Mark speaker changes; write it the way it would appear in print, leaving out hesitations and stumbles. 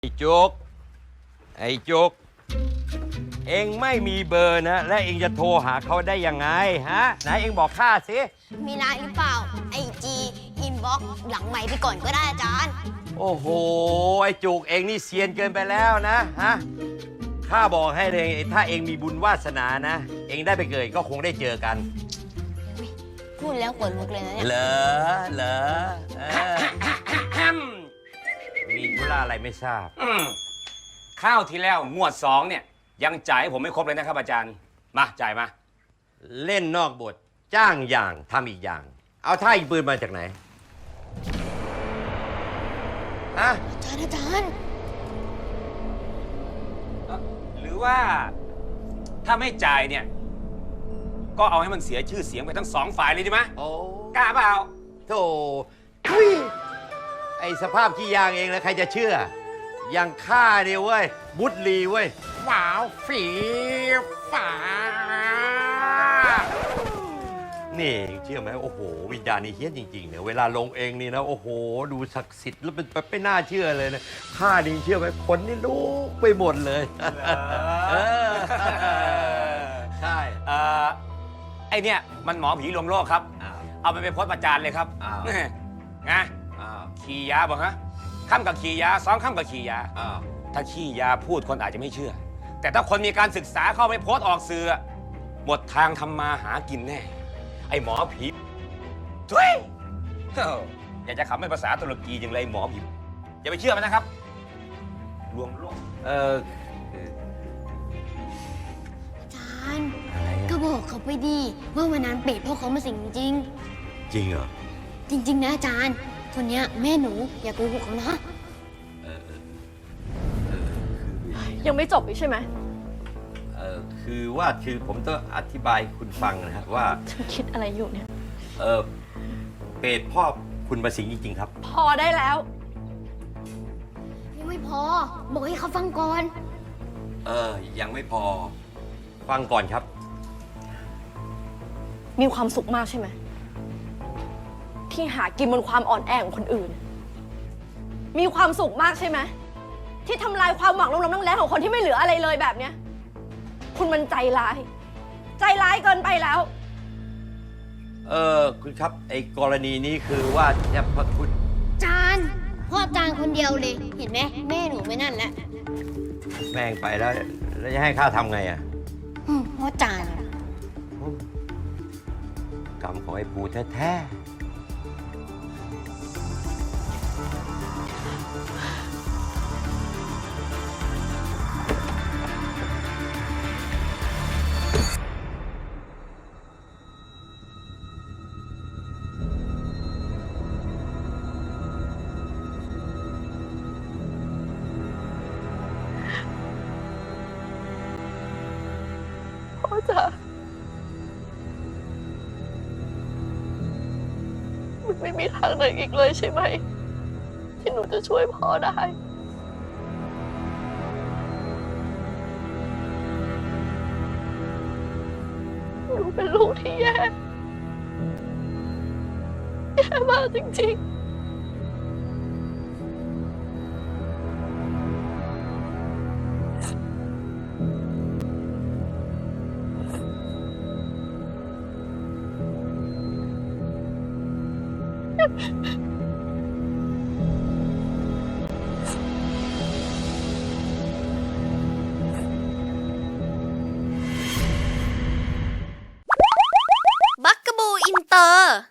Speaker 1: ไอ้จุกไอ้จุกเองไม่มีเบอร์นะและเองจะโทรหาเขาได้ยังไงฮะไหนเองบอกข้าสิ
Speaker 2: มีไลน์หรือเปล่าไอจีอินบ็อกหลังใหม่ไปก่อนก็ได้อาจารย์
Speaker 1: โอ้โหไอ้จุกเองนี่เซียนเกินไปแล้วนะฮะข้าบอกให้เลยถ้าเองมีบุญวาสนานะเองได้ไปเกิดก็คงได้เจอกัน
Speaker 2: พูดแล้วขนลุกเลยนะเนี่ย
Speaker 1: เหรอมีธุระอะไรไม่ทราบ
Speaker 3: ข้าวที่แล้วงวด2เนี่ยยังจ่ายให้ผมไม่ครบเลยนะครับอาจารย์มาจ่ายมา
Speaker 1: เล่นนอกบทจ้างอย่างทำอีกอย่างเอาท่าอีกปืนมาจากไหนฮะ
Speaker 2: อาจารย์
Speaker 3: หรือว่าถ้าไม่จ่ายเนี่ยก็เอาให้มันเสียชื่อเสียงไปทั้ง2ฝ่ายเลยดีไหม
Speaker 1: โอ้
Speaker 3: กล้าเปล่า
Speaker 1: โธ่ไอสภาพขี้ยางเองแล้วใครจะเชื่ออย่างข้าเนี่ยเว้ยบุตรีเว้ยว้าวฝีฟ้านี่เชื่อไหมโอ้โหวิญญาณนี่เฮี้ยนจริงๆเนี่ยเวลาลงเองนี่นะโอ้โหดูศักดิ์สิทธิ์แล้วเป็นไม่น่าเชื่อเลยนะข้านี่เชื่อไหมคนนี่ลุกไปหมดเลยใช่
Speaker 3: ไอเนี่ยมันหมอผีลวงโลกครับเอาไปโพสต์ประจานเลยครับไงขี่ยาบอกฮะข้ามกับขี่ยา2ข้ามกับขี่ยาถ้าขี่ยาพูดคนอาจจะไม่เชื่อแต่ถ้าคนมีการศึกษาเข้าไปโพสต์ออกสื่อหมดทางทำมาหากินแน่ไอหมอผีทุยอยากจะขำเป็นภาษาตุรกีอย่างไรหมอผีอย่าไปเชื่อมันนะครับลวงโลก
Speaker 2: อาจารย์ก็บอกเขาไปดีว่าวันนั้นเป็ดพ่อเขามาสิงจริง
Speaker 1: จริงเหรอ
Speaker 2: จริงๆนะอาจารย์คนเนี้ยแม่หนูอย่าโกหกเขานะ
Speaker 4: ยังไม่จบอีกใช่ไหม
Speaker 1: คือผมต้องอธิบายคุณฟังนะครับว่า
Speaker 4: ฉันคิดอะไรอยู่เนี่ย
Speaker 1: เปรตพ่อคุณมาสิงจริงๆครับ
Speaker 4: พอได้แล้ว
Speaker 2: ยังไม่พอบอกให้เขาฟังก่อน
Speaker 1: ยังไม่พอฟังก่อนครับ
Speaker 4: มีความสุขมากใช่ไหมที่หากินบนความอ่อนแอของคนอื่นมีความสุขมากใช่ไหมที่ทำลายความหวังล้มๆแรงของคนที่ไม่เหลืออะไรเลยแบบเนี้ยคุณมันใจร้ายเกินไปแล้ว
Speaker 1: คุณครับไอ้กรณีนี้คือว่าเนี่ยพระคุณ
Speaker 2: จานพ่อจานคนเดียวเลยเห็นไหมแม่หนูไม่นั่นแล้ว
Speaker 1: แม่งไปแล้วจะให้ข้าทำไงอ่ะ
Speaker 2: พ่อจาน
Speaker 1: กรรมของไอ้ปูแท้ๆ
Speaker 4: พ่อจ๋ามันไม่มีทางไหนอีกเลยใช่ไหมที่หนูจะช่วยพ่อได้หนูเป็นลูกที่แย่มากจริงๆ
Speaker 2: บักกะบูอินเตอร์